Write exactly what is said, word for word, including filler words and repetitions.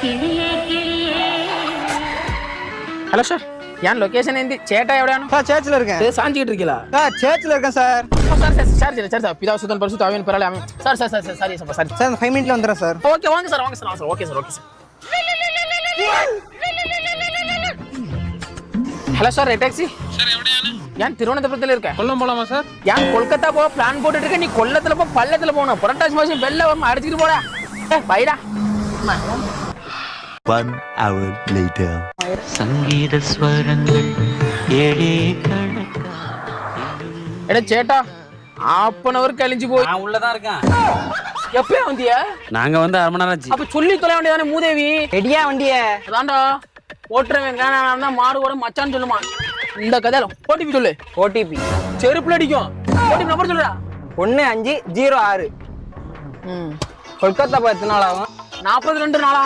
Hello sir ஏன் location ఏంది చేట ఎవడాను சார் சர்ச்சில் இருக்கேன். சாஞ்சிக்கிட்டு இருக்கீங்களா சார் சர்ச்சில் இருக்கேன் sir. Sir sir sir sir sir பிதா சுதன் பரிசுத்த ஆவியின் பெயராலே ஆமென். Sir sir sir sir sorry sir sorry sir five மினிட்ல வந்துடுறேன் சார். ஓகே வாங்க சார் வாங்க சார் வாங்க sir okay sir okay sir hello sir taxi sir எവിടെയാണ്? ஏன் திருவனந்தபுரத்துல இருக்க கொல்லம் போலாமா சார்? ஏன் கொல்கத்தா போக பிளான் போட்டுட்டு இருக்க நீ கொல்லத்துல போ பள்ளத்துல போகணும் புரட்டாசி மாசம் வெள்ள வரும் அடிச்சுட்டு போடா ஏ பைடா One hour later. சங்கீத ஸ்வரங்கள் ஏழே கணக்கா. எட சேட்டா half an hour கழிஞ்சு போய் நான் உள்ளதான் இருக்கேன். எப்பயே வந்தியா? நாங்க வந்து அரை மணி நேரம் ஆச்சு. அப்ப சொல்லி தொலை வேண்டியதானே மூதேவி. ரெடியா வண்டிய? அதான்டா ஓட்டுறவன் வேணா மாடு கூட மச்சான்னு சொல்லுமா. இந்த கதையில ஓடிபி சொல்லு. ஓடிபி செருப்புல அடிக்கும். ஓடிபி நம்பர் சொல்லுடா. ஒன்று அஞ்சு ஜீரோ ஆறு. ம் கொல்கத்தா போய் எத்தனை நாள் ஆகும்? நாற்பத்தி ரெண்டு நாளா